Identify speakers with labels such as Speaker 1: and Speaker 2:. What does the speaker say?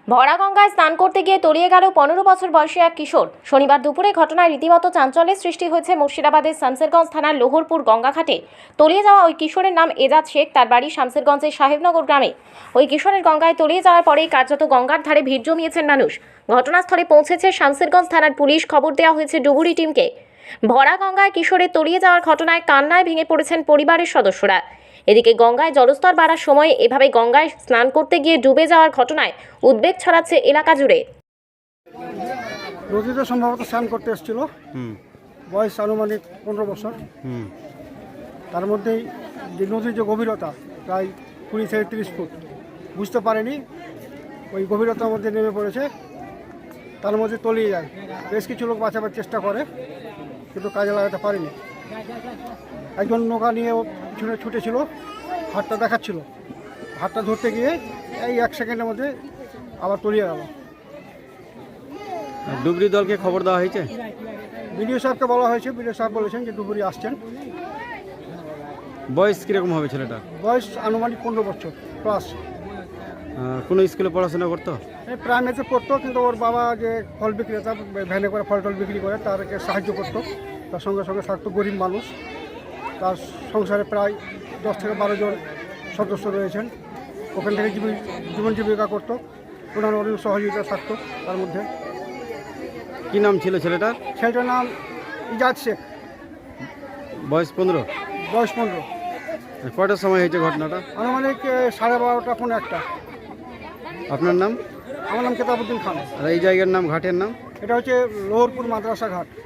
Speaker 1: ভরা গঙ্গায় স্নান করতে গিয়ে তলিয়ে গেল 15 বছর বয়সী এক কিশোর। শনিবার দুপুরে ঘটনায় রীতিমতো চাঞ্চল্যের সৃষ্টি হয়েছে মুর্শিদাবাদের শামসেরগঞ্জ থানার লোহরপুর গঙ্গাঘাটে। তলিয়ে যাওয়া ওই কিশোরের নাম এজাজ শেখ। তার বাড়ি শামসেরগঞ্জের সাহেবনগর গ্রামে। ওই কিশোরের গঙ্গায় তলিয়ে যাওয়ার পরেই কার্যত গঙ্গার ধারে ভিড় জমিয়েছেন মানুষ। ঘটনাস্থলে পৌঁছেছে শামসেরগঞ্জ থানার পুলিশ। খবর দেওয়া হয়েছে ডুবুরি টিমকে। ভরা গঙ্গায় কিশোরের তলিয়ে যাওয়ার ঘটনায় কান্নায় ভেঙে পড়েছেন পরিবারের সদস্যরা। এদিকে গঙ্গায় জলস্তর বাড়ার সময় এভাবে গঙ্গায় স্নান করতে গিয়ে ডুবে যাওয়ার ঘটনায় উদ্বেগ ছড়াচ্ছে এলাকা জুড়ে।
Speaker 2: নদীতে সম্ভবত স্নান করতে এসেছিল, বয়স আনুমানিক 15 বছর। তার মধ্যেই যে নদীর যে গভীরতা প্রায় 20 থেকে 30 ফুট, বুঝতে পারেনি ওই গভীরতার মধ্যে নেমে পড়েছে। তার মধ্যে তলিয়ে যায়। বেশ কিছু লোক বাঁচাবার চেষ্টা করে, কিন্তু কাজে লাগাতে পারেনি। একজন নৌকা নিয়ে পিছনে ছুটেছিল, হাতটা দেখাচ্ছিল, হাতটা ধরতে গিয়ে এই 1 সেকেন্ডের মধ্যে আবার তলিয়ে গেল।
Speaker 3: ডুবরি দলকে খবর দেওয়া হয়েছে?
Speaker 2: বিডিও সাহেবকে বলা হয়েছে, বিডিও সাহেব বলেছেন যে ডুবুরি আসছেন।
Speaker 3: বয়স কীরকম হবে ছেলেটা?
Speaker 2: বয়স আনুমানিক 15 বছর প্লাস।
Speaker 3: কোনো স্কুলে পড়াশোনা করতো?
Speaker 2: প্রাইমারিতে পড়তো, কিন্তু ওর বাবা যে ফল বিক্রেতা, ভ্যানে করে ফল টল বিক্রি করে, তারকে সাহায্য করতো। তার সঙ্গে সঙ্গে থাকতো গরিব মানুষ। তার সংসারে প্রায় 10 থেকে 12 জন সদস্য রয়েছেন। ওখান থেকে জীবন জীবিকা করতো। ওনার অনেক সহযোগিতা থাকতো তার মধ্যে।
Speaker 3: কী নাম ছিল ছেলেটার?
Speaker 2: ছেলেটার নাম এজাজ শেখ,
Speaker 3: বয়স 15।
Speaker 2: বয়স 15।
Speaker 3: কয়টার সময় হয়েছে ঘটনাটা?
Speaker 2: আনুমানিক 12:30 পৌনে 1টা।
Speaker 3: আপনার নাম?
Speaker 2: আমার নাম কেতাবুদ্দিন খান।
Speaker 3: আর এই জায়গার নাম, ঘাটের নাম?
Speaker 2: এটা হচ্ছে লোহরপুর মাদ্রাসা ঘাট।